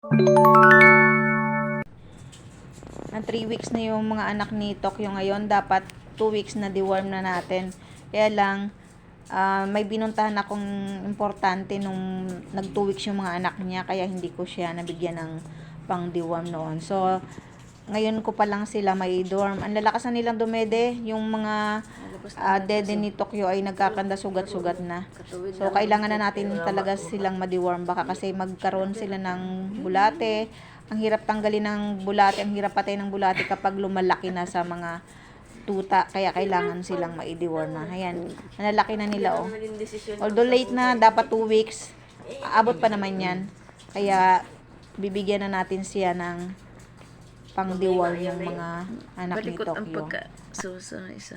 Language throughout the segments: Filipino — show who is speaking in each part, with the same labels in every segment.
Speaker 1: Na 3 weeks na yung mga anak ni Tokyo ngayon. Dapat 2 weeks na deworm na natin. Kaya lang, may binuntahan akong importante nung nag 2 weeks yung mga anak niya. Kaya hindi ko siya nabigyan ng pang deworm noon. So, ngayon ko pa lang sila may dorm. Ang lalakas na nilang dumede. Yung mga dede ni Tokyo ay nagkakanda sugat-sugat na. So, kailangan na natin talaga silang ma-deworm. Baka kasi magkaroon sila ng bulate. Ang hirap tanggalin ng bulate, ang hirap patay ng bulate kapag lumalaki na sa mga tuta. Kaya kailangan silang ma-deworm na. Ayan, nalalaki na nila oh. Although late na, dapat 2 weeks. Aabot pa naman yan. Kaya bibigyan na natin siya ng pang-deworm yung mga anak ni
Speaker 2: Balikot ang
Speaker 1: Tokyo.
Speaker 2: pagka-susa isa.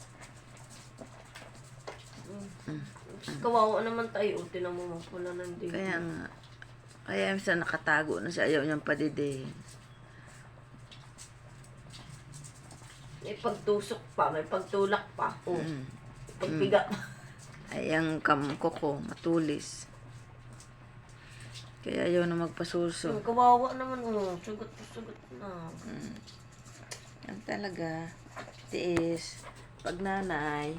Speaker 3: Kawawa naman tayo. Tinan mo pula ng dito.
Speaker 2: Kaya nga. Kaya minsan nakatago na siya. Ayaw niyang padidihin.
Speaker 3: May pagtusok pa, may pagtulak pa.
Speaker 2: Mm.
Speaker 3: Pagpiga.
Speaker 2: Ay, ang kamko ko, matulis. Kaya ayaw na magpasuso.
Speaker 3: Kawawa naman. Sugot na.
Speaker 2: Yan talaga. Tiis. Pag nanay.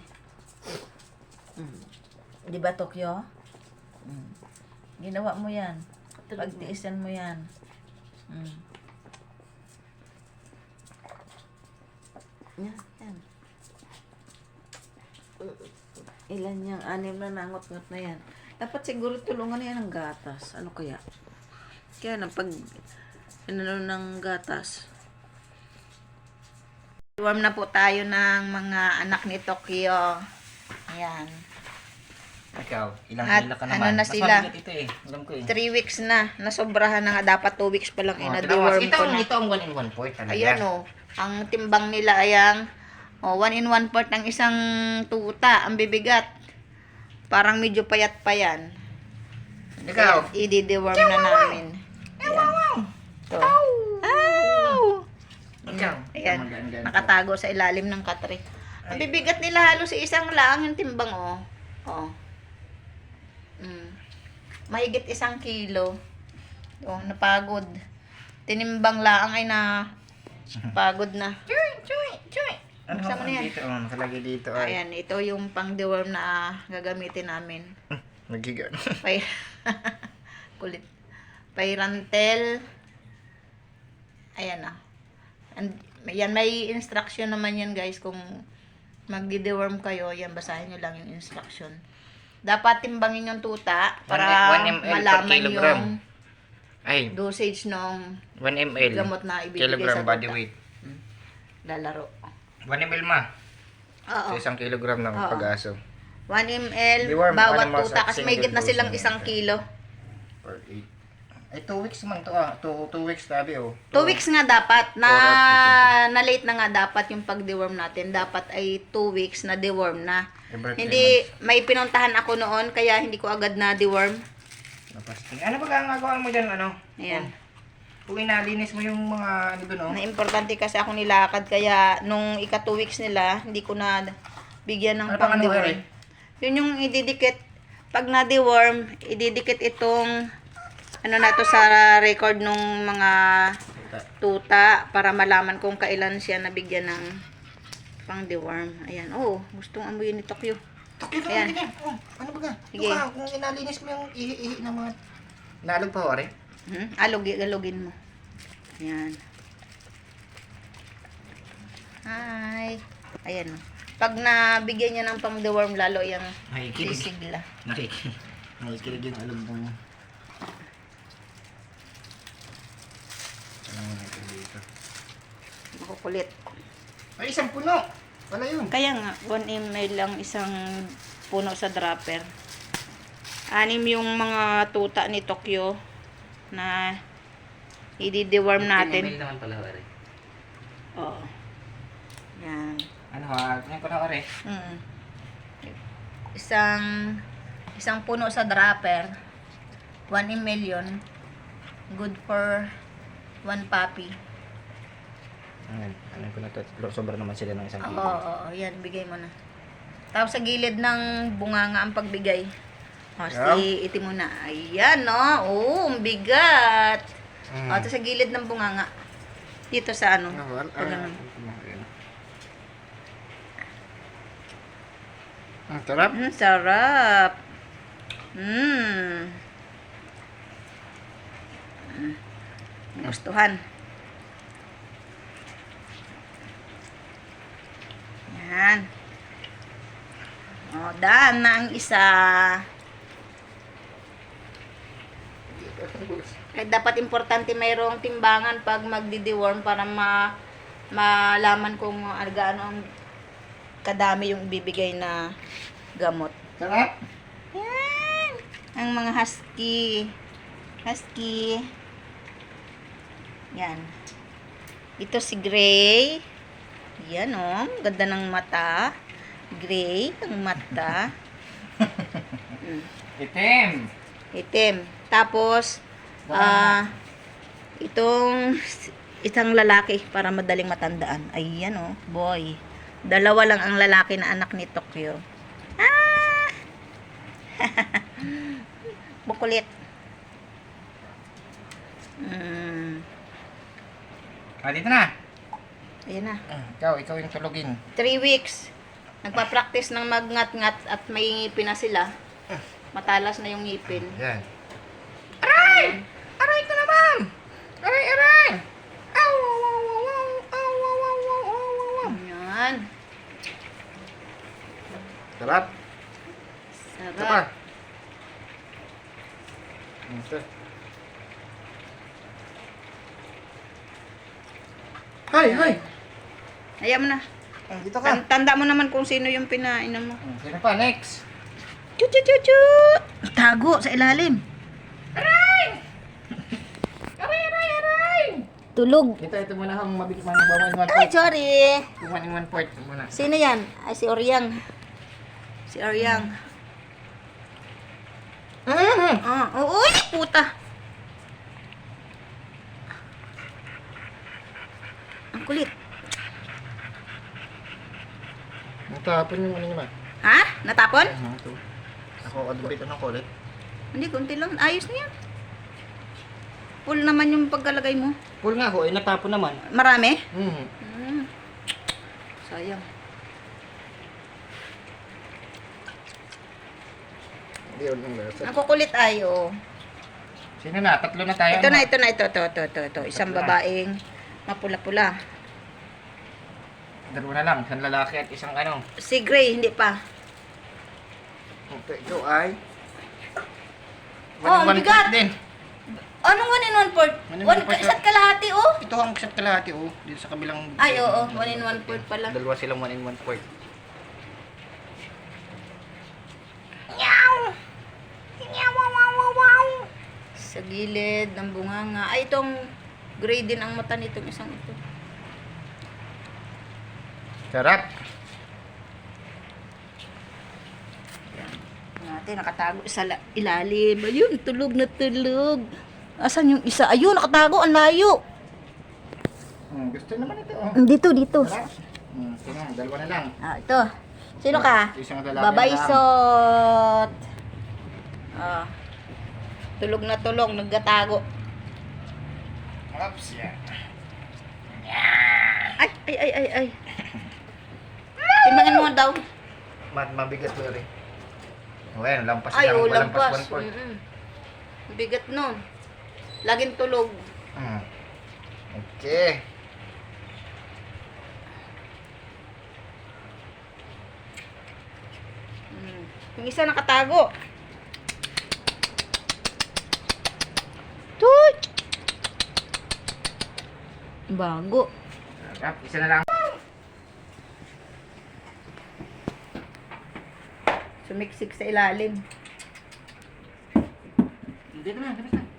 Speaker 2: Di ba, Tokyo? Ginawa mo yan. Pagtiisan mo yan. Yan. Ilan yung 6 na nangot-ngot na yan. Dapat siguro tulungan na yan ng gatas. Ano kaya? Kaya na pag inano ng gatas.
Speaker 1: Deworm na po tayo ng mga anak ni Tokyo. Ayan.
Speaker 4: Ikaw, ilang
Speaker 1: At
Speaker 4: hila ka
Speaker 1: ano
Speaker 4: naman.
Speaker 1: na
Speaker 4: Mas
Speaker 1: sila?
Speaker 4: mabigat ito eh. Alam ko eh.
Speaker 1: 3 weeks na. Nasobrahan na nga. Dapat 2 weeks pa lang.
Speaker 4: Oh,
Speaker 1: Na-deworm
Speaker 4: ito,
Speaker 1: ko na.
Speaker 4: ito ang 1 in 1 4 talaga.
Speaker 1: Ayan o. Ang timbang nila ay ang 1 in 1 part ng isang tuta. Ang bibigat. Parang medyo payat pa yan.
Speaker 4: Ikaw.
Speaker 1: I-deworm na namin. Ayan. Ito. Ow!
Speaker 4: Ikaw.
Speaker 1: Ayan.
Speaker 4: Magaan-gaan ko.
Speaker 1: Nakatago sa ilalim ng katre. Ang bibigat nila halos isang lang yung timbang oh. Oh. Mahigit 1 kilo. Oh, napagod. Tinimbang lang ay na pagod na. Chuy.
Speaker 4: Ano
Speaker 1: Buksan mo na yan.
Speaker 4: dito? Oh, nakalagay dito ay.
Speaker 1: Ayan, ito yung pang-deworm na gagamitin namin.
Speaker 4: Nagiga.
Speaker 1: Pay kulit. Payrantel. Ayan na. Yan, may instruction naman yan guys kung magdi-deworm kayo. Yan, basahin nyo lang yung instruction. Dapat timbangin yung tuta para
Speaker 4: 1 ml per
Speaker 1: malaman
Speaker 4: kilogram.
Speaker 1: yung
Speaker 4: Ay,
Speaker 1: dosage ng
Speaker 4: 1 ml.
Speaker 1: gamot na ibibigay
Speaker 4: Kilogram
Speaker 1: sa
Speaker 4: body
Speaker 1: tuta.
Speaker 4: weight.
Speaker 1: Lalaro.
Speaker 4: 1 ml ma.
Speaker 1: Oo.
Speaker 4: Sa 1 kilogram ng
Speaker 1: Oo.
Speaker 4: pag-aso.
Speaker 1: 1 ml
Speaker 4: Deworm,
Speaker 1: bawat
Speaker 4: ano,
Speaker 1: tuta kasi may
Speaker 4: single
Speaker 1: na silang
Speaker 4: dose
Speaker 1: 1 kilo.
Speaker 4: Per 8. Ay, 2 weeks man to ah. 2 weeks tabi oh.
Speaker 1: 2 weeks nga dapat na
Speaker 4: Or
Speaker 1: late na nga dapat yung pag-deworm natin. Dapat ay 2 weeks na deworm na.
Speaker 4: Every 3
Speaker 1: Hindi, may pinuntahan ako noon kaya hindi ko agad na deworm.
Speaker 4: Napasting. Ano ba gagawin mo dyan, ano?
Speaker 1: Ayan.
Speaker 4: Kung inalinis mo yung mga ano doon, oh.
Speaker 1: Na importante kasi ako nilakad kaya nung ika 2 weeks nila, hindi ko na bigyan ng
Speaker 4: Ano pang ano,
Speaker 1: pang-deworm. Yun yung ididikit. Pag na-deworm, ididikit itong ano na to sa record nung mga tuta para malaman kung kailan siya nabigyan ng pang-deworm. Ayan. Oh, gustong amuyin ni Tokyo.
Speaker 4: Tokyo
Speaker 1: Ayan.
Speaker 4: ganyan. Oh, ano ba ka?
Speaker 1: Sige.
Speaker 4: Ito ka, kung inalinis mo yung ihi-ihi ng mga nalog pa, ore.
Speaker 1: Alugin mo. Ayan. Hi. Ayan. Pag nabigyan niya ng pang-deworm, lalo yung
Speaker 4: Nakikinig.
Speaker 1: sisigla.
Speaker 4: Nakikinig yung alog mo. Ano mo natin dito?
Speaker 1: Makukulit.
Speaker 4: Ay, isang puno! Wala yun.
Speaker 1: Kaya nga, 1 ml lang isang puno sa dropper. 6 yung mga tuta ni Tokyo na i-deworm
Speaker 4: 15
Speaker 1: natin.
Speaker 4: ml naman pala, ore.
Speaker 1: Oo. Yan.
Speaker 4: Ano ha? Ano ko na, ore?
Speaker 1: Isang puno sa dropper. 1 ml yun. Good for 1 puppy.
Speaker 4: Ano ko na to? Sobra naman sila ng isang
Speaker 1: Oo,
Speaker 4: kilo.
Speaker 1: oo, yan, bigay mo na. Tapos sa gilid ng bunganga ang pagbigay. O,
Speaker 4: Yeah.
Speaker 1: itim mo na. Ayan, no? Oo, ang bigat. O, ito sa gilid ng bunganga. Dito sa ano. Pag ganun.
Speaker 4: Ang sarap.
Speaker 1: Sarap. Gustuhan. Yan. O, daan na ang isa. Kaya dapat importante mayroong timbangan pag magdi-deworm para malaman kung gaano ang kadami yung ibibigay na gamot.
Speaker 4: Sarap.
Speaker 1: Yan. Ang mga husky. Husky. Yan. Ito si Gray. Yan oh. Ganda ng mata. Gray ang mata.
Speaker 4: Itim.
Speaker 1: Itim. Tapos, itong isang lalaki para madaling matandaan. Ayan oh, boy. Dalawa lang ang lalaki na anak ni Tokyo. Ah! Bukulit.
Speaker 4: Dito na.
Speaker 1: Ayan na.
Speaker 4: Ikaw yung tulugin.
Speaker 1: 3 weeks. Nagpa-practice ng magngat-ngat at may ngipin na sila. Matalas na yung ngipin.
Speaker 4: Yan. Aray! Aray ko naman! Aray, aray! Aw, aw, aw, aw, aw, aw, aw, aw, aw, aw, aw.
Speaker 1: Ayan.
Speaker 4: Sarap. Ito pa.
Speaker 1: Sarap.
Speaker 4: Ito. Hay, hay!
Speaker 1: Ayaw mo na.
Speaker 4: Dito ka.
Speaker 1: Tanda mo naman kung sino yung pinainom mo.
Speaker 4: Sino pa? Next.
Speaker 1: Chu chu chu chu. Tago sa ilalim.
Speaker 4: Aray! Aray, aray, aray!
Speaker 1: Tulog.
Speaker 4: Ito muna ang mabilis man ng 1
Speaker 1: Ay,
Speaker 4: point.
Speaker 1: sorry.
Speaker 4: 1 in 1 point muna.
Speaker 1: Sino yan? Ay, si Oryang. Si Oryang. Uy, puta. Ang kulit.
Speaker 4: Natapon yung ano nyo ba?
Speaker 1: Ha? Natapon?
Speaker 4: Ito. Ako, kadubit ng kulit.
Speaker 1: Hindi, kunti lang. Ayos na yan. Full naman yung pagkalagay mo.
Speaker 4: Full nga ho, natapon naman.
Speaker 1: Marami?
Speaker 4: Mm.
Speaker 1: Sayang.
Speaker 4: Hindi yun ang lasa.
Speaker 1: Ang kukulit ay, oh.
Speaker 4: Sino na? Tatlo na tayo.
Speaker 1: Ito na. Ito. Isang babaeng mapula-pula.
Speaker 4: Dalawa na lang. Isang lalaki at isang ano.
Speaker 1: Si Gray, hindi pa.
Speaker 4: Ito ay...
Speaker 1: Oh, ang
Speaker 4: 1 in 1
Speaker 1: bigat!
Speaker 4: point din.
Speaker 1: Anong 1 in 1 port?
Speaker 4: 1 in 1 port.
Speaker 1: Isa't kalahati, oh.
Speaker 4: Ito ang isa't kalahati oh. Dito sa kabilang...
Speaker 1: Ay, oo. 1 in 1 port pala.
Speaker 4: Dalawa silang 1 in 1 point.
Speaker 1: Sa gilid ng bunganga. Ay, itong gray din ang mata nitong isang ito.
Speaker 4: Sarap.
Speaker 1: Natin, nakatago sa ilalim. Ayun, tulog na tulog. Asan yung isa? Ayun, nakatago. Ang layo.
Speaker 4: Gusto naman ito oh.
Speaker 1: Dito.
Speaker 4: Sarap. Ito na, dalawa na lang.
Speaker 1: Ito. Sino ka?
Speaker 4: Isang lalaki
Speaker 1: Babaysot. Tulog na tulog. Nagkatago.
Speaker 4: Oops, yan.
Speaker 1: Ay. Timbangin mo daw.
Speaker 4: Mabigat mo rin. Well, lampas
Speaker 1: Ay,
Speaker 4: lang.
Speaker 1: lampas.
Speaker 4: 1 point.
Speaker 1: Bigat nun. Laging tulog.
Speaker 4: Okay.
Speaker 1: Yung isa nakatago. Tut! Bago.
Speaker 4: Sarap. Isa na lang.
Speaker 1: Sumiksik sa ilalim.
Speaker 4: Dito na.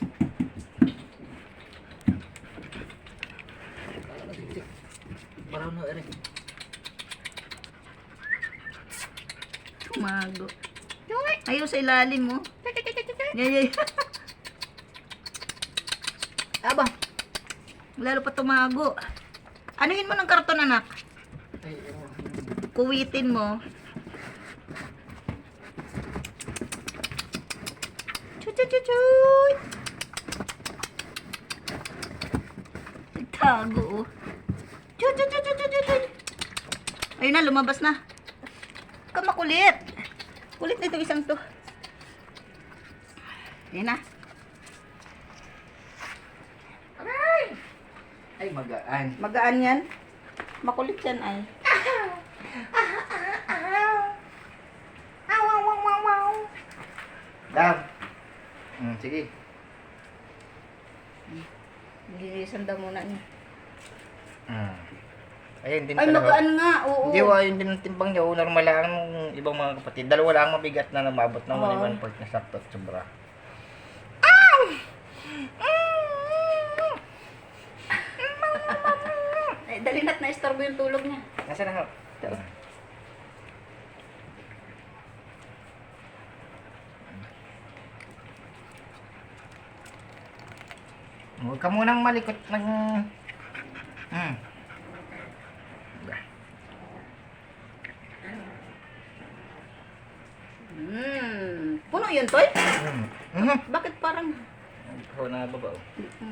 Speaker 4: Baraw na rin.
Speaker 1: Tumago. Ayaw sa ilalim mo. Ganyan. Aba. Lalo pa tumago. Anuhin mo ng karton, anak? Kuwitin mo. Chuy. Tago, oh. Chut, chut, chut, chut, chut, chut. Ayun na, lumabas na. Ka makulit. Kulit na itong isang to. Ayun na.
Speaker 4: Aray! Ay, magaan.
Speaker 1: Magaan yan. Makulit yan ay.
Speaker 4: Aw, wow, wow, wow, wow. Dam. Sige.
Speaker 1: Nililisan daw muna niya.
Speaker 4: Ayun din
Speaker 1: Ay,
Speaker 4: talaga.
Speaker 1: magaan nga. Oo.
Speaker 4: Hindi, ayun din ang timbang niya. Normal lang ng ibang mga kapatid. Dalawa lang mabigat na namabot ng
Speaker 1: Oo.
Speaker 4: 1 part na sakto at sobra.
Speaker 1: Ay, dali na't na-istorbo yung tulog niya.
Speaker 4: Nasaan na ho? Huwag ka munang malikot ng...
Speaker 1: Puno yun, Toy?
Speaker 4: Mhm.
Speaker 1: Bakit parang...
Speaker 4: Ikaw na baba. Oh.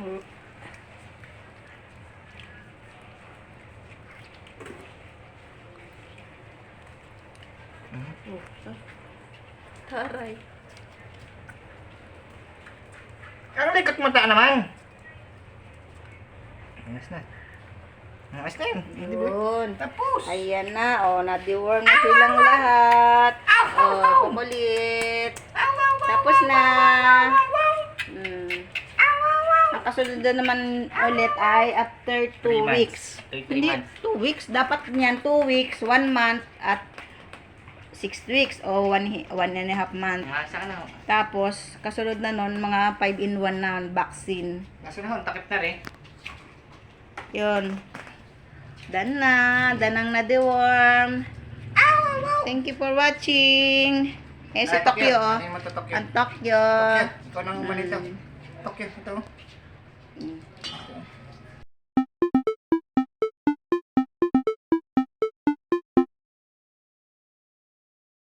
Speaker 1: Taray.
Speaker 4: Ano likot mo ta naman? Angas na. Angas na yun. Hindi ba?
Speaker 1: Yun.
Speaker 4: Tapos.
Speaker 1: Ayan na. O, na-deworm na silang lahat. O, kumulit. Tapos na. Ang kasunod na naman ulit ay after 2
Speaker 4: 3 months.
Speaker 1: weeks.
Speaker 4: 3
Speaker 1: Hindi,
Speaker 4: months.
Speaker 1: 2 weeks. Dapat niyan 2 weeks, 1 month, at 6 weeks o 1.5 month.
Speaker 4: Nasa ka na ho.
Speaker 1: Tapos, kasunod na nun, mga 5-in-1 na vaccine.
Speaker 4: Nasa na ho. Takip na rin.
Speaker 1: Yun. Done na. Danang na-deworm. Thank you for watching. Eh, si Tokyo, oh.
Speaker 4: Ano yung mata Tokyo?
Speaker 1: Ang Tokyo.
Speaker 4: Tokyo. Ikaw nang umalito. Tokyo, ito.